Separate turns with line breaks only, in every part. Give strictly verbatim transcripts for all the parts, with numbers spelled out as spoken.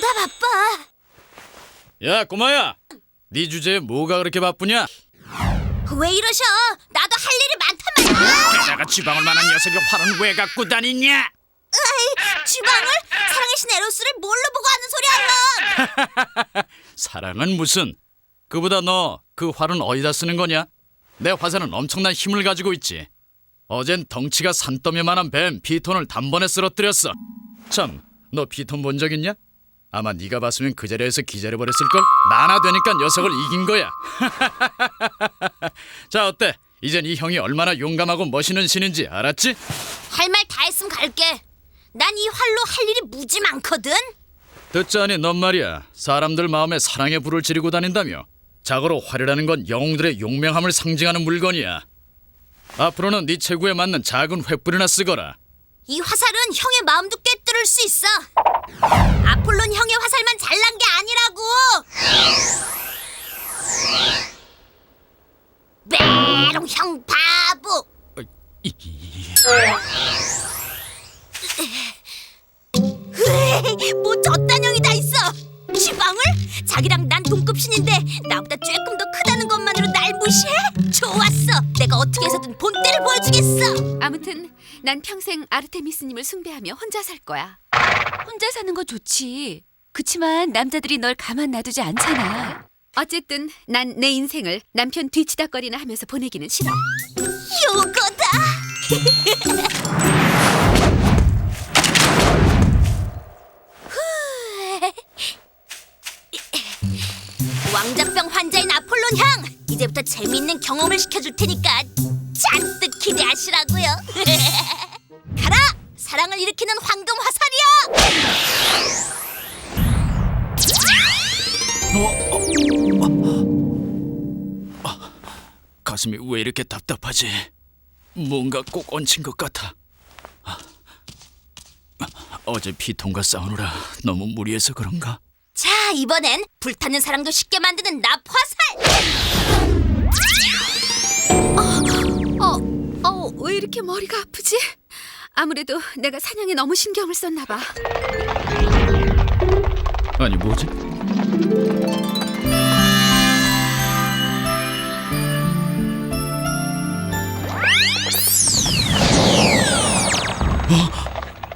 뭐가 바빠?
야 꼬마야, 네 주제에 뭐가 그렇게 바쁘냐?
왜 이러셔? 나도 할 일이 많단 말이야.
게다가 지방을 만한 녀석이 활은 왜 갖고 다니냐?
으이, 지방을? 사랑의 신 에로스를 뭘로 보고 하는 소리야, 넌?
사랑은 무슨? 그보다 너 그 활은 어디다 쓰는 거냐? 내 화살은 엄청난 힘을 가지고 있지. 어젠 덩치가 산더미만한 뱀 피톤을 단번에 쓰러뜨렸어. 참, 너 피톤 본 적 있냐? 아마 네가 봤으면 그 자리에서 기절해버렸을걸? 나나 되니까 녀석을 이긴 거야. 자, 어때? 이젠 이 형이 얼마나 용감하고 멋있는 신인지 알았지?
할 말 다 했으면 갈게. 난 이 활로 할 일이 무지 많거든.
듣자니 넌 말이야, 사람들 마음에 사랑의 불을 지르고 다닌다며. 자고로 활이라는 건 영웅들의 용맹함을 상징하는 물건이야. 앞으로는 네 체구에 맞는 작은 횃불이나 쓰거라.
이 화살은 형의 마음도 꿰뚫을 수 있어. 아폴론 형의 화살만 잘난 게 아니라고. 메롱 형 바보. 으이, 뭐 저딴 형이 다 있어. 지방을? 자기랑 난 동급신인데 나보다 조금 더 크다는 것만으로 날 무시해? 좋았어. 내가 어떻게 해서든 본때를 보여주겠어.
아무튼 난 평생 아르테미스님을 숭배하며 혼자 살 거야. 혼자 사는 거 좋지. 그치만 남자들이 널 가만 놔두지 않잖아. 어쨌든 난 내 인생을 남편 뒤치다거리나 하면서 보내기는 싫어.
요거다. 왕자병 환자인 아폴론 형, 이제부터 재미있는 경험을 시켜줄 테니까 잔뜩 기대하시라고요. 가라! 사랑을 일으키는 황금 화살이야!
어? 어? 아, 가슴이 왜 이렇게 답답하지? 뭔가 꼭 얹힌 것 같아. 아, 어제 피톤과 싸우느라 너무 무리해서 그런가?
자, 이번엔 불타는 사랑도 쉽게 만드는 납 화살!
어, 어, 왜 이렇게 머리가 아프지? 아무래도 내가 사냥에 너무 신경을 썼나 봐.
아니 뭐지? 어?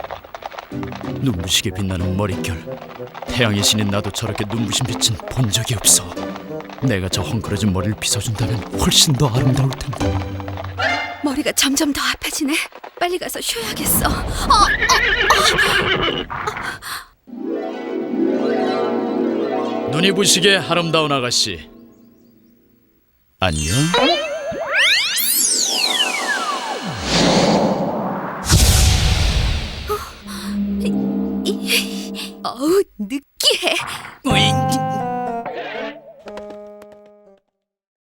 눈부시게 빛나는 머릿결. 태양의 신인 나도 저렇게 눈부신 빛은 본 적이 없어. 내가 저 헝클어진 머리를 빗어준다면 훨씬 더 아름다울 텐데.
머리가 점점 더 아파지네. 빨리 가서 쉬어야겠어. 어,
눈이 부시게 아름다운 아가씨. 안녕?
어우, 느끼해.
으잉.